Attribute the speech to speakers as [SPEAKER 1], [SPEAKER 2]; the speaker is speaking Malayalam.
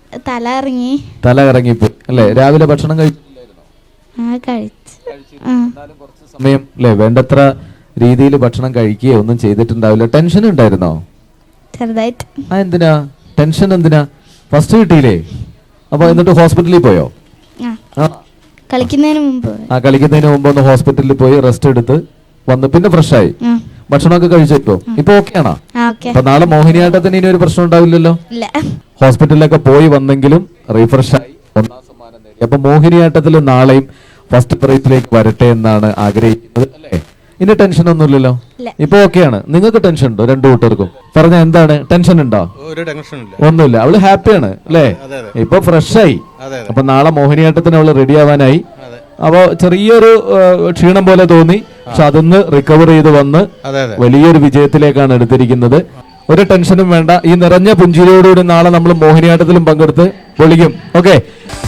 [SPEAKER 1] തല ഇറങ്ങിപ്പോയി അല്ലേ? രാവിലെ ഭക്ഷണം കഴിച്ചിട്ടുണ്ടായിരുന്നോ? കുറച്ച് സമയം അല്ലേ വേണ്ടത്ര രീതിയിൽ ഭക്ഷണം കഴിക്കുകയോ ഒന്നും ചെയ്തിട്ടുണ്ടാവില്ല. ടെൻഷൻ ഉണ്ടായിരുന്നോ?
[SPEAKER 2] ചെറുതായിട്ട്.
[SPEAKER 1] എന്തിനാ ടെൻഷൻ? എന്തിനാ? ഫസ്റ്റ് കിട്ടിയില്ലേ? അപ്പൊ എന്നിട്ട് ഹോസ്പിറ്റലിൽ പോയോ?
[SPEAKER 2] കളിക്കുന്നതിന് മുമ്പ്
[SPEAKER 1] ഒന്ന് ഹോസ്പിറ്റലിൽ പോയി റെസ്റ്റ് എടുത്ത് വന്ന് പിന്നെ ഫ്രഷ് ആയി ഭക്ഷണമൊക്കെ കഴിച്ചിട്ടോ? ഇപ്പൊ ഓക്കെ ആണോ? അപ്പൊ നാളെ മോഹിനിയാട്ടത്തിന് ഇനി ഒരു പ്രശ്നം ഉണ്ടാവില്ലല്ലോ. ഹോസ്പിറ്റലിലൊക്കെ പോയി വന്നെങ്കിലും റീഫ്രഷ് ആയി ഒന്നാം സമ്മാനം നേടി. അപ്പൊ മോഹിനിയാട്ടത്തിൽ നാളെയും ഫസ്റ്റ് പ്രൈസിലേക്ക് വരട്ടെ എന്നാണ് ആഗ്രഹിക്കുന്നത് അല്ലേ? ഇനി ടെൻഷൻ ഒന്നുമില്ലല്ലോ. ഇപ്പൊ ഓക്കെയാണ്. നിങ്ങൾക്ക് ടെൻഷൻ ഉണ്ടോ? രണ്ടു കൂട്ടർക്കും പറഞ്ഞ എന്താണ് ടെൻഷൻ ഉണ്ടോ? ഒന്നുമില്ല. അവള് ഹാപ്പിയാണ് അല്ലേ? ഇപ്പൊ ഫ്രഷ് ആയി. അപ്പൊ നാളെ മോഹിനിയാട്ടത്തിന് അവള് റെഡി ആവാനായി. അപ്പൊ ചെറിയൊരു ക്ഷീണം പോലെ തോന്നി, പക്ഷെ അതൊന്ന് റിക്കവർ ചെയ്ത് വന്ന് വലിയൊരു വിജയത്തിലേക്കാണ് എടുത്തിരിക്കുന്നത്. ഒരു ടെൻഷനും വേണ്ട. ഈ നിറഞ്ഞ പുഞ്ചിരിയോടുകൂടി നാളെ നമ്മൾ മോഹിനിയാട്ടത്തിലും പങ്കെടുത്ത് പൊളിക്കും. ഓക്കെ.